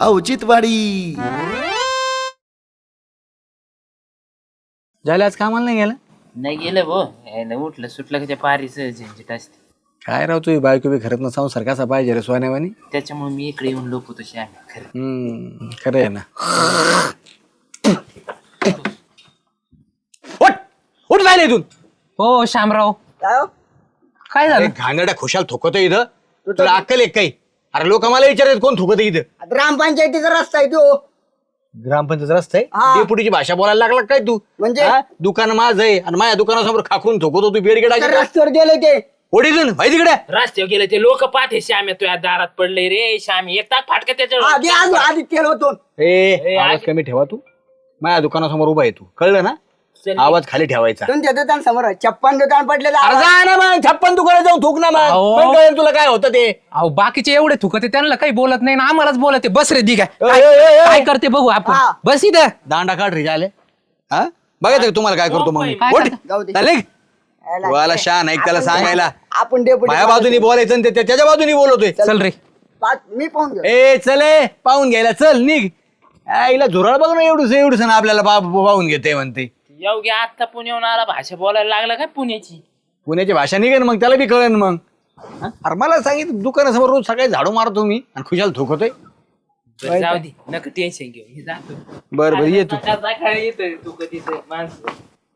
औचित्यवाडी. झालं आज कामाला नाही गेला? नाही गेलं भो, उठलं सुटलं का त्या पारीच झंझट असते. काय राव तुझी बायको बी खरंच ना संसार कसा पाहिजे रे सोन्यावानी. त्याच्यामुळे मी इकडे येऊन लोकतो श्याम खरं. खरं आहे ना. उठ उठ जायला इथून. हो श्यामराव, काय झालं? घाणेरड्या खुशाल थुकतो इथं. तुला अक्कल एक काही? अरे लोक मला विचारतात कोण थुकत इथं? ग्रामपंचायतीचा रस्ता आहे तो. ग्रामपंचायत रस्ता आहे. हा. डेपुटीची भाषा बोलायला लागला काय तू? म्हणजे? हा? दुकान माझं आहे आणि माझ्या दुकानासमोर खाकरून थुकतो तू बेडगेट तर रस्त्यावर गेले ते. ओढीतून भाई तिकडे. रस्त्यावर गेले ते लोक पाहते श्याम तुझ्या दारात पडले रे श्याम, येतात फाटका त्याच्यावर. आधी तेल होतो. आवाज कमी ठेवा तू. माझ्या दुकानासमोर उभा आहे तू, कळलं ना? चल. आवाज खाली ठेवायचा. तुमच्या दुकान समोर 56 दुकान पडले. अरे जा ना मग 56 दुकानात जाऊन थुक ना मग. अहो. मग कळेल तुला काय होतं ते. अहो बाकीचे एवढे थुकते त्यांना काही बोलत नाही ना, आम्हालाच बोलते. बस रे दिघा, ए, ए, ए, ए. काय करते बघू आपण. हा. बस इथं. दांडा काढ रे झाले. हा बघायचं का तुम्हाला काय करतो मग मी? काय उठ. करता? जाऊ दे. चालेल? वाला शान ऐक त्याला सांगायला. आपण डेपुटी माझ्या बाजूनी बोलायचं आणि त्याच्या बाजूनी बोलवतोय. चल रे. मी पाहून घेऊ. ए चले पाहून घ्यायला चल निघ. आईला झुराळ बघ ना एवढूस ना आपल्याला पाहून घेते म्हणते. योगी आता पुण्याहून आला, भाषा बोलायला लागला काय पुण्याची? पुण्याची भाषा निघेन मग त्याला बी कळेन मग. अरे मला सांगितलं दुकानासमोर रोज सकाळी झाडू मारतो मी आणि खुशाल थुकतोय. बरं, जाऊ दे, नका टेन्शन घेऊ, हे जातो. बर बर ये तू. येतोय तू कधी माणसं.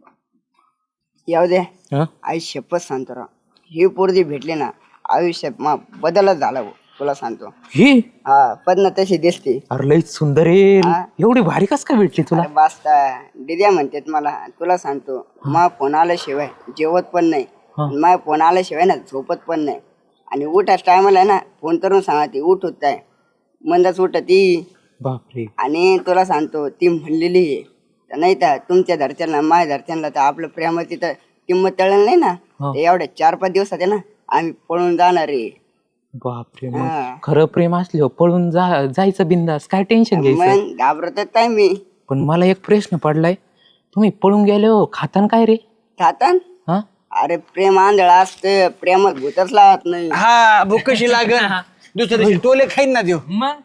येऊ दे. हा? आई शपथ सांगतो राव, ही पोरगी भेटली ना आयुष्यात बदलच झाला भाऊ, तुला सांगतो. ही हा पद्म तशी दिसते. अरे लई सुंदर आहे. हा. एवढी भारी कस काय भेटली तुला? अरे बास्ता दिद्या म्हणतात मला. तुला सांगतो मा फोन आल्याशिवाय जेवत पण नाही, मा फोन आल्याशिवाय ना झोपत पण नाही. आणि उठाच टायमाला ना फोन करून सांगते उठ होत आहे, मंदच उठ ती. बापरे. आणि तुला सांगतो ती म्हणलेली आहे तर नाही तर तुमच्या घरच्यांना माझ्या घरच्यांना तर आपलं प्रेमाची तर किंमत तळलं नाही ना, तर एवढ्या 4-5 दिवसात आहे ना आम्ही पळून जाणार आहे. बापरे. हा. मग खरं प्रेम असलं पळून जायचं बिंदास, काय टेन्शन घ्यायचं. मग घाबरतच नाही मी. पण मला एक प्रश्न पडलाय, तुम्ही पळून गेले हो खातान काय रे? खातान? हा? अरे प्रेम आंधळ असतं, प्रेमात भूतच लावत नाही. हा भूक कशी लागल दुसऱ्या दिवशी टोले खाईन ना देऊ. मग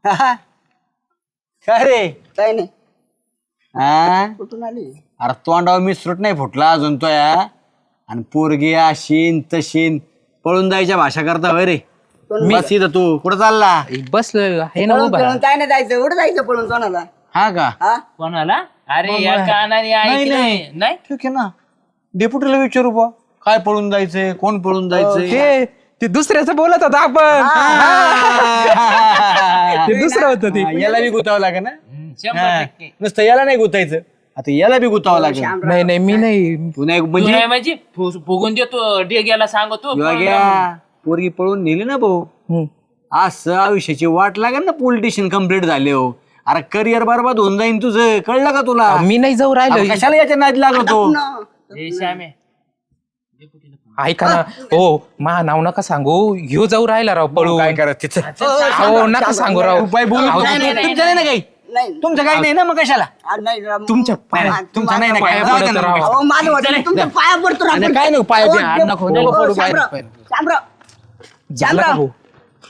काय रे? काय नाही. हा कुठून आली? अरे तोंडावर मिसरूट नाही फुटला अजून तो या. आणि पोरगी अशीन तशीन पळून जायच्या भाषा करता होय रे. बस इथं तू कुठं चालला? बसलं आहे ना पळून उभा. पळून काय नाही जायचं, उठं जायचं पळून कोणाला. हा का? हा कोणाला? अरे या कानाने ऐकलंय नाही. ठीक आहे ना, डेपुटीला विचारू बा काय पळून जायचंय, कोण पळून जायचंय. ते दुसऱ्याचं बोलत होता आपण. ते दुसरं होतं ते. हा, याला बी गुतावं लागेल ना. 100%. नुसतं याला नाही गुतायचं, आता याला बी गुतावं लागेल. नाही नाही मी नाही. पुन्हा एक तू म्हणजे नाही म्हणजे फुगून देतो डेग्याला सांगतो. योग्या, पोरगी पळून नेली ना भाऊ, असं आयुष्याची वाट लागेल ना. पोलिटिशियन कम्प्लीट झाले हो. अरे करिअर बरबाद होऊन जाईन तुझं, कळलं का तुला? मी नाही जाऊ अरे राहिलो. कशाला याच्या नादी लागतो? श्यामे ऐका ना हो, मा नाव नका सांगू. ह्यो जाऊ राहिला राव पळून. काय करत तिचं? हो नका सांगू राव. उपाय बोलू. अहो, तुमचं नाही ना काही, नाही तुमचं काही नाही ना, मग कशाला? नाही तुमच्या पाया तुमचं नाही ना काय? पाया जाऊ दे पडत ना राव. मग. अहो, माझं वाटलं तुमच्या पाया पडतो ना आणि आपण. काय नको पाया अहो, द्या, नको पडू पाया. शामराव, झालं का भाऊ?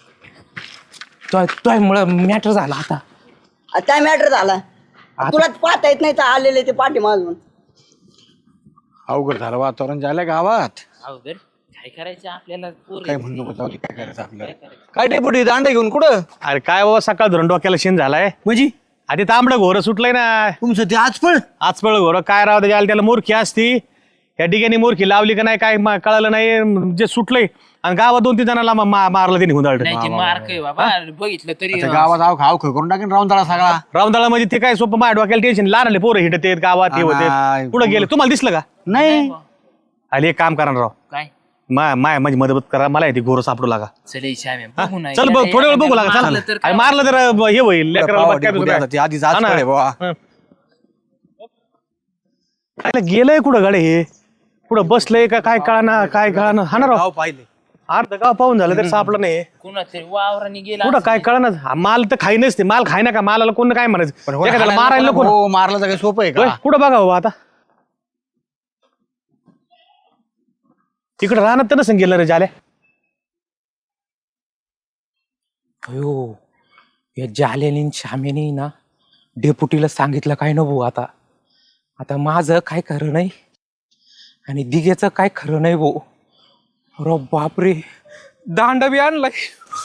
तोय मुळे मॅटर झाला आता. काय मॅटर झाला? तुला पाहता येत नाही तर आलेले ते पाठी मागून. अवघड झालं वातावरण झालं गावात. अवघड काय करायचं आपल्याला? काय म्हणू नको, जाऊ दे, काय करायचं आपल्याला. काय डेपुटी दांडे घेऊन कुठं? अरे काय बाबा सकाळ धरून डोक्याला शेण झालाय. म्हणजे आधी तांबडं घोरं सुटलंय ना. तुमचं ते आज पण आजपळ घोरं काय राव त्याला मूर्खी असती. या ठिकाणी मूर्खी लावली का नाही काय कळालं नाही. जे सुटलंय आणि गावात 2-3 जणांना मारलं त्यांनी हुंदाळ. नाही ते मार्क आहे बाबा, बघितलं तरी. गावात आव करून टाकेन राहून त्याला सगळा. रावंदाळा म्हणजे ते काय सोपं माझ्या डोक्याला टेन्शन. लहान आले पोरं हिंडत आहेत गावात, हे होते. पुढे गेले तुम्हाला दिसलं का? नाही आले एक काम करा ना राव, काय माय माझी मदत करा, मला ते घोरं सापडू लागा. चल श्यामे हा? बघू ना. चल बघ थोडे वेळ बघू लागा. मारलं तर चल काय? मारलं तर हे होईल लेकराला बघ काय ते आधीच आज हा ना. पळे बुवा. काय गेलंय कुठं गाडी हे? कुठं बसलंय का काय कळाना हा ना राव. पाहिले अर्ध गाव पाहून झालं तरी सापडलं नाही. कुणा तरी वावराने गेला कुठं काय कळणार? माल तर खाई नसते, माल खाय ना का मालाला कोण काय म्हणायचं? एखाद्याला मारायला नको ना. हो, मारलं तर काही सोपं आहे होय, का? कुठं बघा हो आता तिकडं राहणार तर नसेल गेलं रे झाल्या. अयो या जालेनी श्यामेनी ना डेपुटीला सांगितलं काय न भाऊ. आता आता माझं काय खरं नाही आणि दिघेचं काय खरं नाही भाऊ. अरे बापरे, दांड बी आणलाय.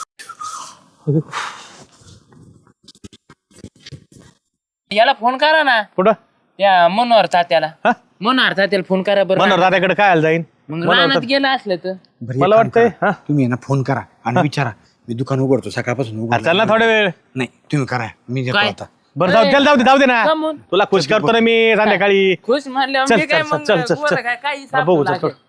याला फोन करा ना, कुठं त्या मनोहर तात्याला. हा? मनोहर तात्याला फोन करा बरं. मनोहर दादाकडे काय आलं जाईन? मग रानात गेला असलं तर बरं, मला एक काम वाटतंय, करा. हा? तुम्ही आहे ना फोन करा आणि विचारा. मी दुकान उघडतो सकाळपासून उघडतो. चल ना थोडा वेळ. नाही तुम्ही करा, मी देतो काय? आता. बरं जाऊ दे ना. कमून? तुला खुश करतो ना मी संध्याकाळी. खुश म्हणल्यावर चल, मी काय चल, मग चल, चल, पोरं चल. काय काही हा, बघू, सापडू चल, लागेल.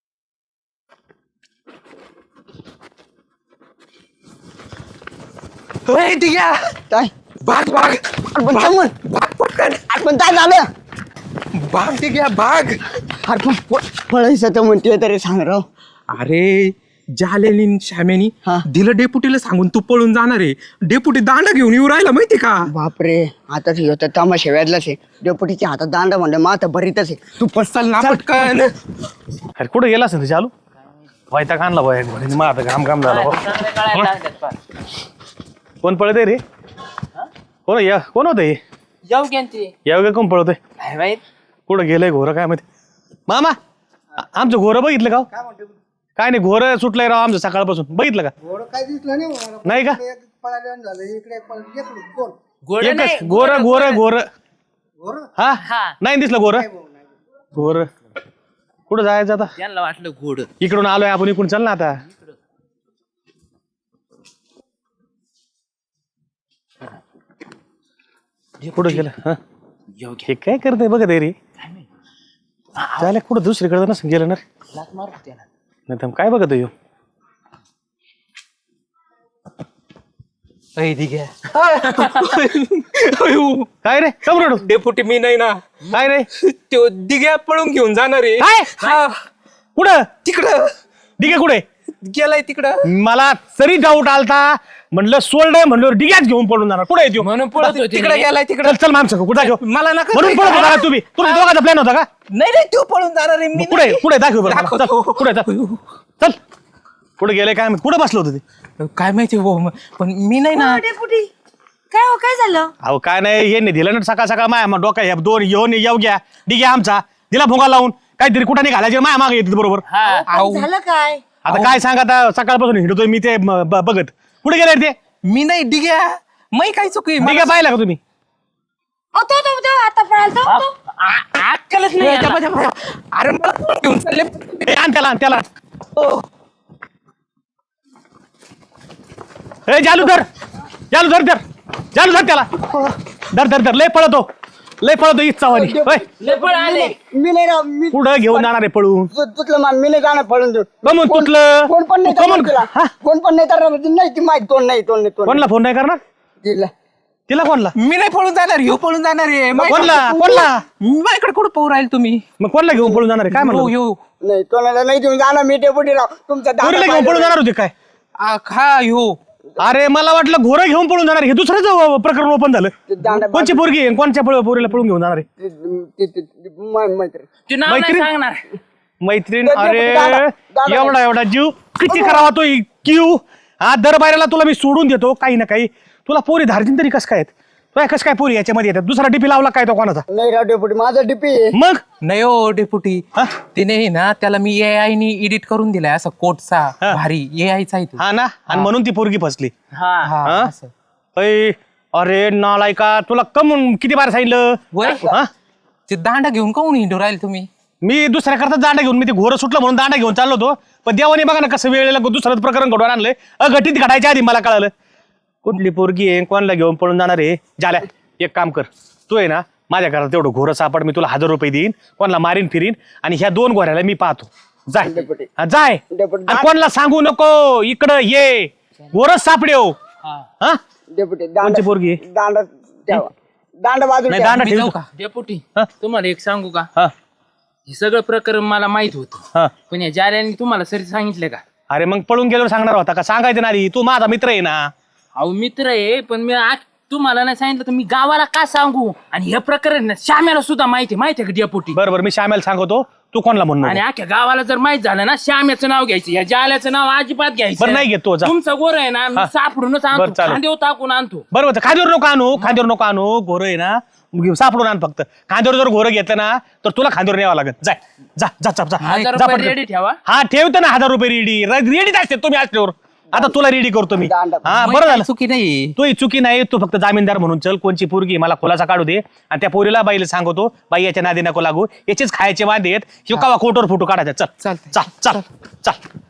होय, दिघ्या. काय भाग भाग पण समोर भाग पटकन. पण काय झालं? भाग दिघ्या भाग. अरे पण पळायचं तर म्हणते तरी सांग राव. अरे जालेनी श्यामेनी हा. दिलं डेपुटीला सांगून तू पळून जाणार आहे. डेपुटी दांडा घेऊन येऊ राहिला माहिती का. बापरे, आता होतं तमाशा व्याजलाच आहे. डेपुटीच्या हातात दांडा म्हणलं मग आता भरीतच आहे. तू पसल ना पटकन. अरे कुठं गेला असेल चालू व्हायचा कानला बाय मग आता घाम झाला हो. चांगले कळायला लागतात पार. कोण पळतय रे? कोण होत हे? जाऊ घ्या ना ते. या कोण पळतोय? काय माहित. कुठं गेलंय घोरं काय माहिती. मामा आमचं घोरं बघितलं का हो? काय नाही, घोरं सुटलंय राव आमचं सकाळपासून. बघितलं का? नाही का? गोड एकच नाही. गोरं हा हा. नाही दिसलं घोरं. कुठं जायचं आता? त्यांना वाटलं गोड. इकडून आलोय आपण, इकडून चल ना आता. कुठं गेलं? हा? हे काय करतंय बघत आहे रे. चालेल कुठं दुसरीकडे नसेल गेलं ना रे. लाथ मारू त्याला. नाही तर काय बघत आहे काय रे कम रडू? डेपुटी मी नाही ना. काय रे तो दिघ्या पळून घेऊन जाणार आहे. काय? हा, कुठं तिकडं डिगे कुठे? गेलाय तिकडं. मला तरी डाऊट आलता, म्हणलं सोल्ड म्हणलं डिग्याच घेऊन पडून जाणार. कुठे येतो? म्हणून पळत होते. तिकडे गेलाय तिकडं. चल माणसं कुठं दाखव. मला नका म्हणून पळत होता का तुम्ही? तुम्ही दोघांचा प्लॅन होता का? नाही नाही, तो पळून जाणार आहे. मी कुठे कुठे दाखव बरं मला. दाखवतो. चल, कुठे चल कुठे गेले काय माहित? कुठं बसलं होतं ते? नाही. काय माहिती हो, पण मी नाही ना. काय हो, काय झालं? अहो काय नाही, यांनी दिलं ना सकाळ सकाळ माया डोका ह्या दोन येऊ घ्या डिग्या आमचा दिला भोंगा लावून काहीतरी कुठं नाही घालायचे माया मागे येतात बरोबर. आऊ. झालं काय? आता काय सांगा, आता सकाळपासून हिंडतोय मी ते बघत. कुठे गेले ते? मी नाही डिग्या. मी काय चुकी. डिग्या पाहिला का तुम्ही? आता पळाल तो. अक्कलच नाही याला. अरे मला पळून घेऊन चालले. ए, आण त्याला ए जालू धर त्याला. धर लय पळतो इच्छावानी. लय पळ आले. मी नाही राव, मी पुढं घेऊन जाणार आहे पळून. तुटलं मान, मी नाही जाणार पळून देऊन. कमून तुटलं? कोण पण नाही कमून? करणार तिला. कोण पण नाही करणार. नाही ती माहिती तोंड नाही. कोणला फोन नाही करणार? तिला कोणला? मी नाही पळून जाणार. ह्यो पळून जाणार आहे. कोणला? माझ्याकडे कुठं पळू राहील तुम्ही. मग कोणला घेऊन पळून जाणार आहे? काय म्हणलं? ह्यो नाही तोंडाला नाही देऊन जाणार मी. डेपुटी राव तुमचा दांडा पोरीला घेऊन पळून जाणार होते काय? हा ह्यो. अरे मला वाटलं घोरं घेऊन पळून जाणार. हे दुसरंच प्रकरण ओपन झालं. दांडा कोणची पोरगी आहे? कोणच्या पोरीला पळून घेऊन जाणार आहे? मैत्री तू नाव नाही मैत्रीण? सांगणार. मैत्रीण? दादा, अरे दादा. एवढा जीव किती करावा तो क्यू. हा दर बायला तुला मी सोडून देतो काही ना काही. तुला पोरी धार्जिन तरी कस काय आहेत? तुला कस काय पोरी याच्यामध्ये येतात? दुसरा डीपी लावला काय तो कोणाचा? नाही राव डेपुटी, माझा डीपी आहे. मग नाही हो डेपुटी. तिने ना त्याला मी AI नी एडिट करून दिलाय असा कोटचा भारी AI चा आहे तो. हा ना, आणि म्हणून ती पोरगी फसली. हा. हा, असं. अय, अरे नालायका, तुला कमून किती बार सांगितलं? वय? हा? ते दांडा घेऊन काऊन हिंडू राहील तुम्ही? मी दुसऱ्या करता दांडा घेऊन, मी ते घोरं सुटलं म्हणून दांडा घेऊन चाललो होतो. पण देवाने बघा ना कसं वेळेला दुसरं प्रकरण घडवून आणलंय. अघटित घडायच्या आधी मला कळालं कुठली पोरगी आहे, कोणाला घेऊन पळून जाणार आहे. झाल्या, एक काम कर, तू आहे ना माझ्या घरात तेवढं घोरं सापड, मी तुला 1000 रुपये देईन. कोणाला मारीन फिरीन आणि ह्या 2 घोऱ्याला मी पाहतो. जाय हा, जाय. आणि कोणाला सांगू नको इकडं ये. घोरच सापडेव. हा डेपुटी कोणची पोरगी आहे? दांडा ठेवा. दांडा बाजू नाही दांडा मी ठेव. जाऊ का? डेपुटी हा? तुम्हाला एक सांगू का? हा हे सगळं प्रकरण मला माहित होतं, हा. पण या जाल्याने तुम्हाला सरी सांगितलं का? अरे मग पळून गेल्यावर सांगणार होता का? सांगायचं ना आधी, तू माझा मित्र आहे ना. अहो मित्र आहे, पण मी आज तुम्हाला नाही सांगितलं तर मी गावाला का सांगू? आणि हे प्रकरण ना श्याम्याला सुद्धा माहिती आहे का डेपुटी? बरोबर, मी श्यामेला सांगतो. तू कोणाला म्हणून आणि अख्ख्या गावाला जर माहित झालं ना श्याम्याचं नाव घ्यायचं या जाल्याचं नाव अजिबात घ्यायचं बरं नाही घेतो जा. तुमचं गोर आहे ना मी सापडूनच बरं, आणतो चालेल. खांदेव टाकून आणतो बरोबर खांद्यावर नको आणू घोर आहे ना सापडून आण फक्त. खांद्यावर जर घोरं घेतलं ना तर तुला खांद्यावर न्यावं लागेल. जाय जा जा जा जा. 1000 जा रुपये पटकन. रेडी ठेवा. हा ठेवतो ना 1000 रुपये रेडीच असते तुम्ही असल्यावर. आता तुला रेडी करतो मी. दांडा. हा बरं झालं. चुकी नाही. तू ही चुकी नाही. तू फक्त जामीनदार म्हणून चल. कोणची पोरगी मला खुलासा काढू दे आणि त्या पोरीला बाईला सांगतो बाई याच्या नादी नको लागू याचेच खायचे वांदे आहेत. कवा कोटवर फोटो काढायचा. चल चालतंय. चल चल चल.